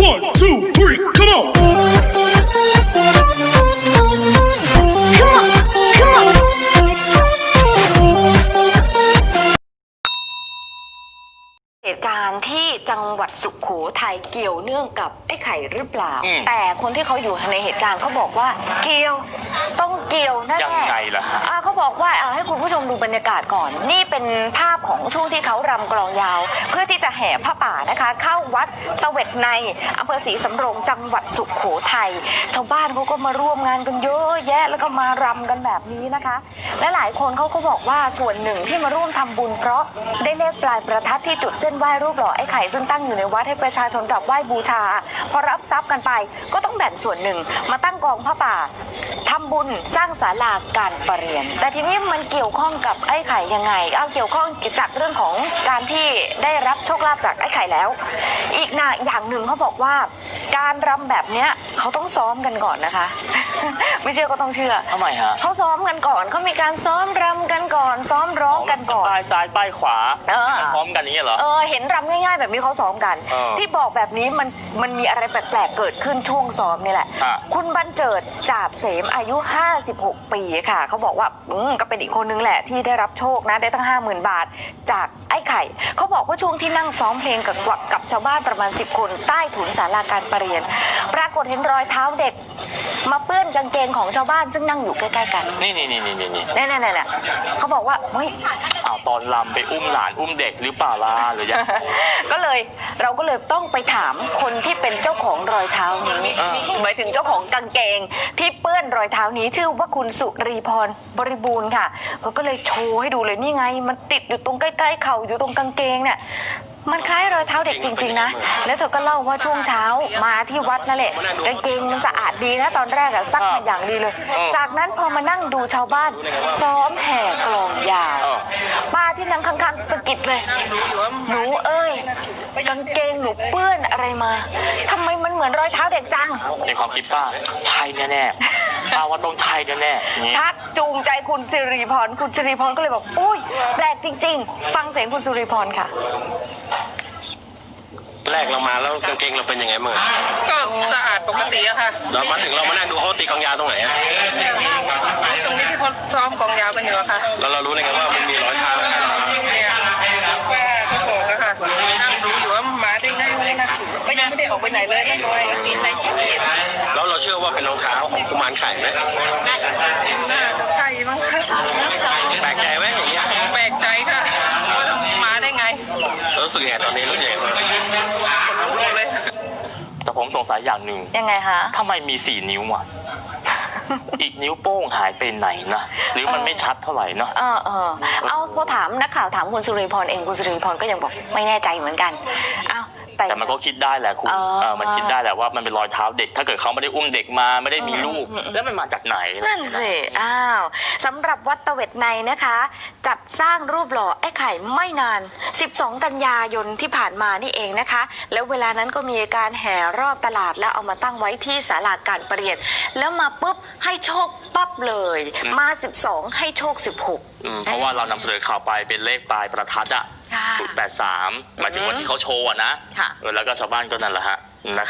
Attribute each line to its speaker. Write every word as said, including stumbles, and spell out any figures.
Speaker 1: One, two, three, come on!
Speaker 2: Come on, come on. เหตุการณ์ที่จังหวัดสุโขทัยเกี่ยวเนื่องกับไอ้ไข่หรือเปล่า แต่คนที่เขาอยู่ในเหตุการณ์เขาบอกว่าเกี่ยวต้องเกี่ยวแน่ๆ
Speaker 3: ยังไงล่ะฮะ
Speaker 2: อ่าเขาบอกว่าเอาให้คุณผู้ชมดูบรรยากาศก่อน นี่เป็นภาพของช่วงที่เขารำกลองยาว เพื่อที่จะแห่ผ้าป่านะคะ เข้าวัดเสวตในอำเภอศรีสำโรงจังหวัดสุโขทัยชาวบ้านเขาก็มาร่วมงานกันเยอะแยะแล้วก็มารำกันแบบนี้นะคะ และหลายคนเขาก็บอกว่าส่วนหนึ่งที่มาร่วมทำบุญเพราะได้เลขปลายประทัดที่จุดเส้นไหว้รูปหล่อไอ้ไข่ซึ่งตั้งอยู่ในวัดให้ประชาชนกราบไหว้บูชาพอรับทรัพย์กันไปก็ต้องแบ่งส่วนหนึ่งมาตั้งกองผ้าป่าทำบุญสร้างศาลาการประเรียนแต่ทีนี้มันเกี่ยวข้องกับไอ้ไข่ยังไงเอาเกี่ยวข้องจากเรื่องของการที่ได้รับโชคลาภจากไอ้ไข่แล้วอีกนะอย่างหนึ่งเขาบอกว่าการรำแบบเนี้ยเขาต้องซ้อมกันก่อนนะคะ ไม่เชื่อก็ต้องเชื่อ
Speaker 3: ทำไมฮะ
Speaker 2: เขาซ้อมกันก่อนเขามีการซ้อมรำกันก่อน ซ้อมร้องกันก่อน
Speaker 3: ป้ายซ้ายป้ายขวา
Speaker 2: เออ
Speaker 3: พร้อมกันอย่างนี้เหรอ
Speaker 2: เออเห็นรำง่ายๆแบบนี้เขาซ้อมกัน
Speaker 3: เออ
Speaker 2: ที่บอกแบบนี้มันมันมีอะไรแปลกๆเกิดขึ้นช่วงซ้อมนี่แหละ
Speaker 3: ฮะ
Speaker 2: คุณบรรเจิดจาบเสมอายุห้าสิบหกปีค่ะเขาบอกว่าอืมก็เป็นอีกคนนึงแหละที่ได้รับโชคนะได้ตั้งห้าหมื่นบาทจากไอ้ไข่เขาบอกว่าช่วงที่นั่งซ้อมเพลงกับกับชาวบ้านประมาณสิบคนใต้ถุนศาลาการประเรียน ปรากฏเห็นรอยเท้าเด็ก มาเปื้อนกางเกงของชาวบ้านซึ่งนั่งอยู่ใกล้ๆกัน
Speaker 3: นี่นี่นี่นี่นี่นี่
Speaker 2: นี่นี่นี่เขาบอกว่าเฮ้ย
Speaker 3: อ้าวตอนลำไปอุ้มหลานอุ้มเด็กหรือเปล่าล่ะหรือยัง
Speaker 2: ก็เลยเราก็เลยต้องไปถามคนที่เป็นเจ้าของรอยเท้านี้
Speaker 3: อ่า
Speaker 2: หมายถึงเจ้าของกางเกงที่เปื้อนรอยเท้านี้ชื่อว่าคุณสุรีพรบริบูรณ์ค่ะเขาก็เลยโชว์ให้ดูเลยนี่ไง มันติดอยู่ตรงใกล้ๆเข่าอยู่ตรงกางเกงเนี่ยมันคล้ายรอยเท้าเด็กจริงๆนะแล้วเธอก็เล่าว่าช่วงเช้ามาที่วัดนั่นแหละกางเกงมันสะอาดดีนะตอนแรกอะซักมาอย่างดีเลย จากนั้นพอมานั่งดูชาวบ้าน ซ้อมแห่กลองยาว
Speaker 3: เออ
Speaker 2: ป้าที่นั่งข้างๆสะกิดเลย หนูเอ้ยกางเกงหนูเปื้อนอะไรมาทำไมมันเหมือนรอยเท้าเด็กจัง
Speaker 3: ในความคิดป้าใช่แน่ๆป้าว่าต้องใช่แน่ๆอย่างนี้
Speaker 2: ทักจูงใจคุณสิริพรคุณสิริพรก็เลยบอกอุ้ยแปลกจริงๆ ฟังเสียงคุณสิริพรค่ะ
Speaker 4: แรกเรามาแล้วกางเกงเราเป็นยังไงบ้างอะ
Speaker 5: ก็สะอาดปกติอะค่ะ
Speaker 4: เรามาถึงเรามานั่งดูเขาตีกลองยาวตรงไหนอะ
Speaker 5: ตรงนี้ที่เขาซ้อมกองยาวกันอยู่อะค่ะ
Speaker 4: แล้วเรารู้ได้ไงว่ามันมีรอยเท้า
Speaker 5: ว่าเขาบอกอะค่ะ นั่งดูอยู่ว่าหมาได้ไงไม่นะก็ยังไม่ได้ออกไปไหนเลยนั่งรอยสีใส่ชิ้นเดียว
Speaker 4: แล้วเราเชื่อว่าเป็นรองเท้าของกุมารไข่ไหม
Speaker 5: น่าจะใช่มั้งคะ
Speaker 4: แปลกใจไหมอย่างเงี้ย
Speaker 5: แปลกใจค่ะว่ามาได้ไง
Speaker 4: เรารู้สึกยังไงตอนนี้รู้สึกยังไงบ้าง
Speaker 5: ขนลุกเลย
Speaker 3: แต่ผมสงสัยอย่างหนึ่ง
Speaker 2: ยังไงคะ
Speaker 3: ทำไมมีสี่นิ้วอ่ะ อีกนิ้วโป้งหายไปไหนนะหรือมันไม่ชัดเท่าไหร่เนาะ
Speaker 2: เออเออเอาพอถามนักข่าวถามคุณสุริพรเองคุณสุริพรก็ยังบอกไม่แน่ใจเหมือนกันอ้าวแต่
Speaker 3: แต่มันก็คิดได้แหละคุณ
Speaker 2: อ๋อ
Speaker 3: เออมันคิดได้แหละว่ามันเป็นรอยเท้าเด็ก ถ้าเกิดเขาไม่ได้อุ้มเด็กมาไม่ได้มีลูก
Speaker 2: อืม
Speaker 3: แล้วมันมาจากไหน
Speaker 2: นั่นสิอ้าวสำหรับวัดตะเวทในนะคะ จัดสร้างรูปหล่อไอ้ไข่ไม่นาน สิบสอง กันยายนที่ผ่านมานี่เองนะคะ แล้วเวลานั้นก็มีการแห่รอบตลาดแล้วเอามาตั้งไว้ที่ศาลาการประเรียน แล้วมาปุ๊บให้โชคปั๊บเลย มา สิบสอง ให้โชค สิบหก
Speaker 3: อืมเพราะว่าเรานำเสนอข่าวไปเป็นเลขปลายประทัดอ่ะ
Speaker 2: ค่ะ
Speaker 3: ศูนย์แปดสามหมายถึงวันที่เขาโชว์อะนะ
Speaker 2: ค่ะ
Speaker 3: เออแล้วก็ชาวบ้านก็นั่นแหละฮะ